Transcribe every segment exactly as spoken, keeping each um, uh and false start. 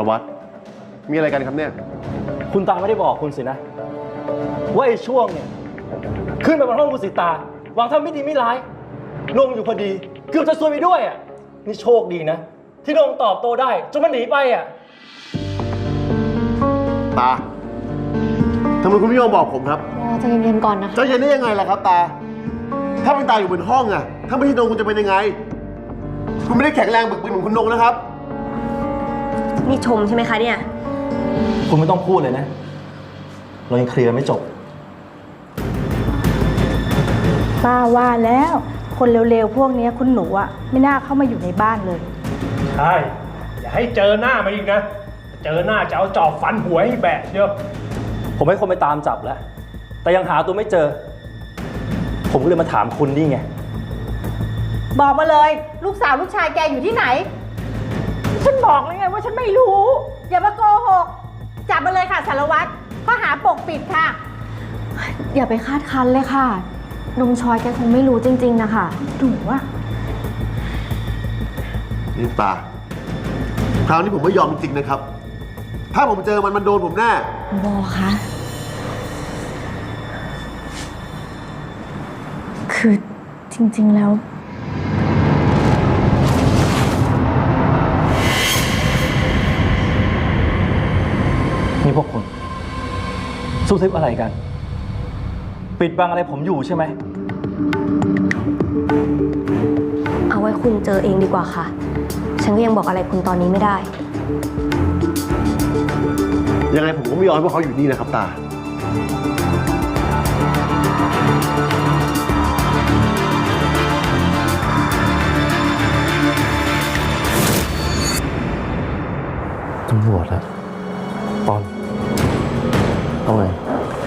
วัตรมีอะไรกันครับเนี่ยคุณตาไม่ได้บอกคุณสินะว่าไอ้ช่วงเนี่ยขึ้นไปบนห้องคุณสิตาหวังทำไม่ดีไม่ร้ายลงอยู่พอดีเกือบจะซวยไปด้วยอ่ะนี่โชคดีนะที่ลงตอบโต้ได้จนมันหนีไปอ่ะตาทำไมคุณไม่ยอมบอกผมครับใจเย็นๆก่อนนะคะใจเย็นได้ยังไงล่ะครับตาถ้าเป็นตาอยู่บนห้องอะถ้าไม่ใช่นงคุณจะเป็นยังไงคุณไม่ได้แข็งแรงบึกบึนเหมือนคุณนงนะครับนี่ชมใช่ไหมคะเนี่ยคุณไม่ต้องพูดเลยนะเรายังเคลียร์ไม่จบป้าว่าแล้วคนเร็วๆพวกนี้คุณหนูอะไม่น่าเข้ามาอยู่ในบ้านเลยใช่อย่าให้เจอหน้ามาอีกนะเจอหน้าจะเอาจอบฟันหัวให้แบะเดียวผมให้คนไปตามจับแล้วแต่ยังหาตัวไม่เจอผมก็เลยมาถามคุณนี่ไงบอกมาเลยลูกสาวลูกชายแกอยู่ที่ไหนฉันบอกแล้วไงว่าฉันไม่รู้อย่ามาโกหกจับมาเลยค่ะสารวัตรข้อหาปกปิดค่ะอย่าไปคาดคั้นเลยค่ะนงชอยแกคงไม่รู้จริงๆนะคะดูว่านี่ตาคราวนี้ผมไม่ยอมจริงๆนะครับถ้าผมเจอมันมันโดนผมแน่บอคะคือจริงๆแล้วนี่พวกคุณซุบซิบอะไรกันปิดบังอะไรผมอยู่ใช่ไหมเอาไว้คุณเจอเองดีกว่าค่ะฉันก็ยังบอกอะไรคุณตอนนี้ไม่ได้ยังไงผมก็ไม่ยอมให้พวกเขาอยู่นี่นะครับตาตำรวจแล้วปอนเอาไง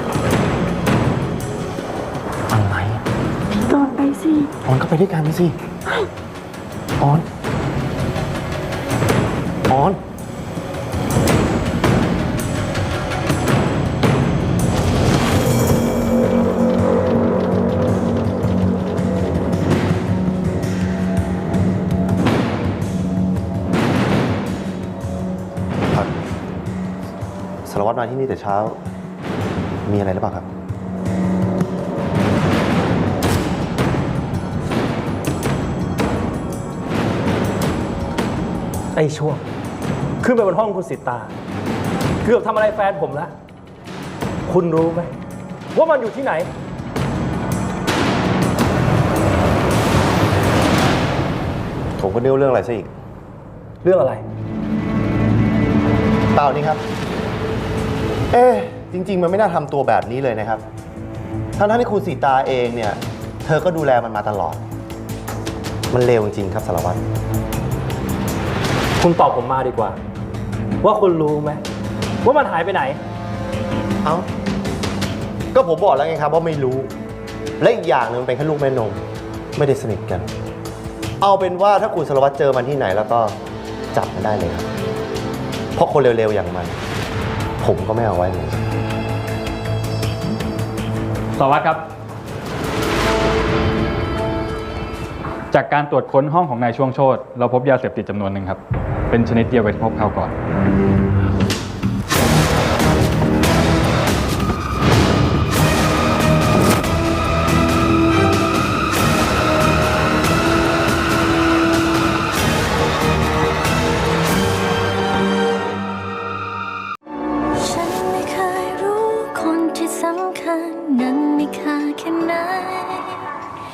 อะไรตอนไปสิปอนก็ไปด้วยกันสิปอนปอนสารวัตรมาที่นี่แต่เช้ามีอะไรหรือเปล่าครับไอ้ช่วงขึ้นไปบนห้องคุณสิตาเกือบทำอะไรแฟนผมแล้วคุณรู้ไหมว่ามันอยู่ที่ไหนผมก็เดาเรื่องอะไรซะอีกเรื่องอะไรเปล่านี่ครับเอ๊ะจริงๆมันไม่น่าทำตัวแบบนี้เลยนะครับทั้งๆที่คุณสีตาเองเนี่ยเธอก็ดูแลมันมาตลอดมันเลวจริงๆครับสารวัตรคุณตอบผมมาดีกว่าว่าคุณรู้ไหมว่ามันหายไปไหนเอ้าก็ผมบอกแล้วไงครับว่าไม่รู้และอีกอย่างนึงมันเป็นแค่ลูกแม่นมไม่ได้สนิทกันเอาเป็นว่าถ้าคุณสารวัตรเจอมันที่ไหนแล้วก็จับมันได้เลยครับเพราะคนเร็วๆอย่างมันผมก็ไม่เอาไว้เลยสารวัตรครับจากการตรวจค้นห้องของนายช่วงโชติเราพบยาเสพติดจำนวนหนึ่งครับเป็นชนิดเดียวกับที่พบคราวก่อนฉันไม่เคยรู้คนที่สำคัญนั้นมีค่าแค่ไหน